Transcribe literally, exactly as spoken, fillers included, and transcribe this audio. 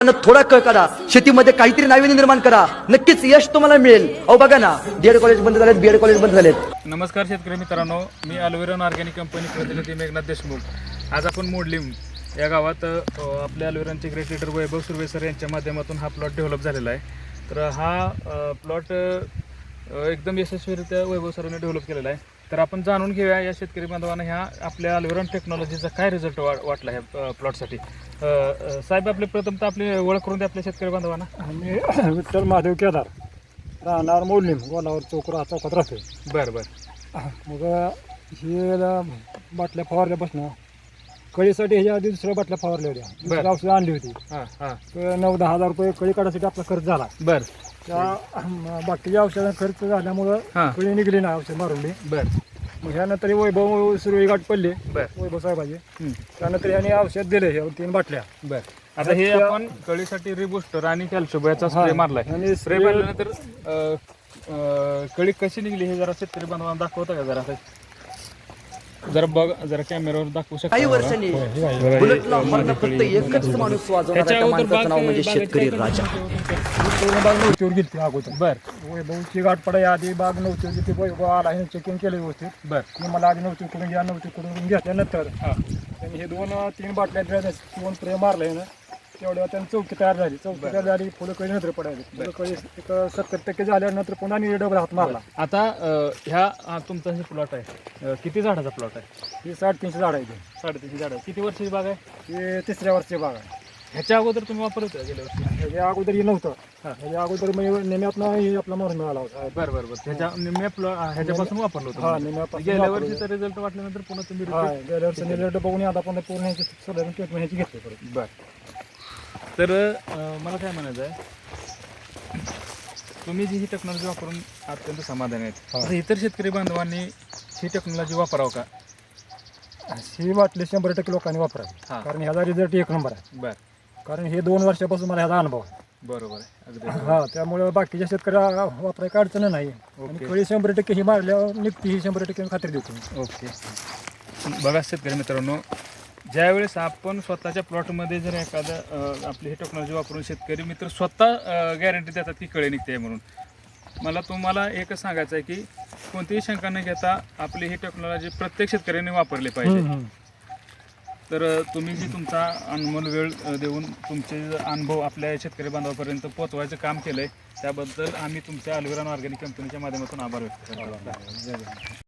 थोडा कळ करा, शेतीमध्ये काहीतरी नाविन्य निर्माण करा, नक्कीच यश तुम्हाला मिळेल. अहो बघा ना, डीएड कॉलेज बंद झालेत, बीएड कॉलेज बंद झालेत. नमस्कार शेतकरी मित्रांनो, मी अल्विरॉन ऑर्गॅनिक कंपनी प्रतिनिधी मेघनाथ देशमुख. आज आपण मोडलीम या गावात आपल्या अल्विरॉनचे great leader Vaibhav Surve sir यांच्या माध्यमातून हा प्लॉट डेव्हलप झालेला आहे. तर हा प्लॉट एकदम यशस्वीरित्या वैभव सरांनी डेव्हलप केलेला आहे. तर आपण जाणून घेऊया या शेतकरी बांधवांना ह्या आपल्या अल्विरॉन टेक्नॉलॉजीचा काय रिझल्ट वा वाटला ह्या प्लॉटसाठी. साहेब, आपले प्रथमतः आपली ओळख करून द्या आपल्या शेतकरी बांधवांना. मी विठ्ठल महादेव केदार, राहणार मोडलीम, गोलावर चौक चौकात राहतो. बरं बरं. मग हे बाटल्या फवारल्यापासून कळीसाठी ह्याच्या आधी दुसऱ्या बाटल्या फवारल्या होत्या, दुसऱ्या औषधं आणली होती. हां हां. तर नऊ दहा हजार रुपये कळी काढायसाठी आपला खर्च झाला. बरं. त्या बाकीच्या औषधांचा खर्च झाल्यामुळं हां. कळी निघली ना औषध मारून. बरं. मग ह्यानंतर वैभव सुरळी गाठ पडली, बरं. वैभव साहेबाचे. त्यानंतर याने औषध दिले, हे तीन बाटल्या. बरं. आता हे आपण कळीसाठी रिबुस्टर आणि कॅल्शियमचा स्प्रे मारलाय. आणि स्प्रे मारल्यानंतर कळी कशी निघली हे जरा शेतकरी बांधवांना दाखवता का जरा. जरा बघ, जरा कॅमेरावर दाखवू शकता. काही वर्षांनी बुलेटला हॉर्न फक्त एकच माणूस वाजवणारा त्या माणसाचं नाव म्हणजे शेतकरी राजा. पूर्ण बाग नव्हतीवर गेली अगोदर. बर. वैभवची गाठ पडाय आधी बाग नव्हती होती, ते वैभव आला, हे चेकिंग केलं व्यवस्थित. बर. मी मला आधी नव्हती करून घ्या, नव्हती करून घेतल्यानंतर त्यांनी हे दोन तीन बाटल्या दोन स्प्रे मारले ना, तेवढ्या त्यांनी चौकी तयार झाली. चौकी तयार झाली, फुलं कळी नंतर पडायची. फुलं कळी एक सत्तर टक्के झाल्यानंतर पुन्हा आणि डबल हात मारला. आता ह्या हा तुमचा हे प्लॉट आहे, किती झाडाचा प्लॉट आहे? ही साडेतीनशे झाड आहे. साडेतीनशे झाड. किती वर्षाची बाग आहे? हे तिसऱ्या वर्षी बाग आहे. ह्याच्या अगोदर तुम्ही वापरत होता गेल्या वर्षी? ह्याच्या अगोदर हे नव्हतं. ह्याच्या अगोदर मी नेम्यातनं हे आपला मारून मिळाला होता. बरं बरं बरं. ह्याच्या निम्या प्लॉट ह्याच्यापासून वापरलं हा, होतं. नेम्यापासून गेल्या वर्षीचा रिझल्ट वाटल्यानंतर पुन्हा तुम्ही हा, repeat- गेल्या वर्षी रिझल्ट बघून आता पण पूर्ण ह्याची सोडून ट्रीटमेंट ह्याची घेतली परत. बरं. तर मला काय म्हणायचं आहे, तुम्ही जी ही टेक्नॉलॉजी वापरून अत्यंत समाधानी आहेत. तर इतर शेतकरी बांधवांनी ही टेक्नॉलॉजी वापरावं का? ही वाटली शंभर टक्के लोकांनी वापरावी, हा. कारण ह्याचा रिझल्ट एक नंबर आहे. बरं. कारण हे दोन वर्षापासून मला ह्याचा अनुभव आहे. बरोबर आहे. अगदी हा, त्यामुळे बाकीच्या शेतकऱ्या वापरायची अडचण नाही. आणि कळी शंभर टक्के ही मारल्यावर निघते, ही शंभर टक्के खात्री देतो. ओके. बघा शेतकरी मित्रांनो, ज्यावेळेस आपण स्वतःच्या प्लॉटमध्ये जर एखादं आपली ही टेक्नॉलॉजी वापरून शेतकरी मित्र स्वतः गॅरंटी देतात की कळी निघते म्हणून, मला तुम्हाला एकच सांगायचं आहे की कोणतीही शंका न घेता आपली ही टेक्नॉलॉजी प्रत्येक शेतकऱ्यांनी वापरली पाहिजे. तर तुम्ही जी तुमचा अनमोल वेळ देऊन तुमचे अनुभव आपल्या शेतकरी बांधवापर्यंत पोहोचवायचं काम केलं आहे, त्याबद्दल आम्ही तुमच्या अल्विरॉन ऑर्गॅनिक कंपनीच्या माध्यमातून आभार व्यक्त करतो.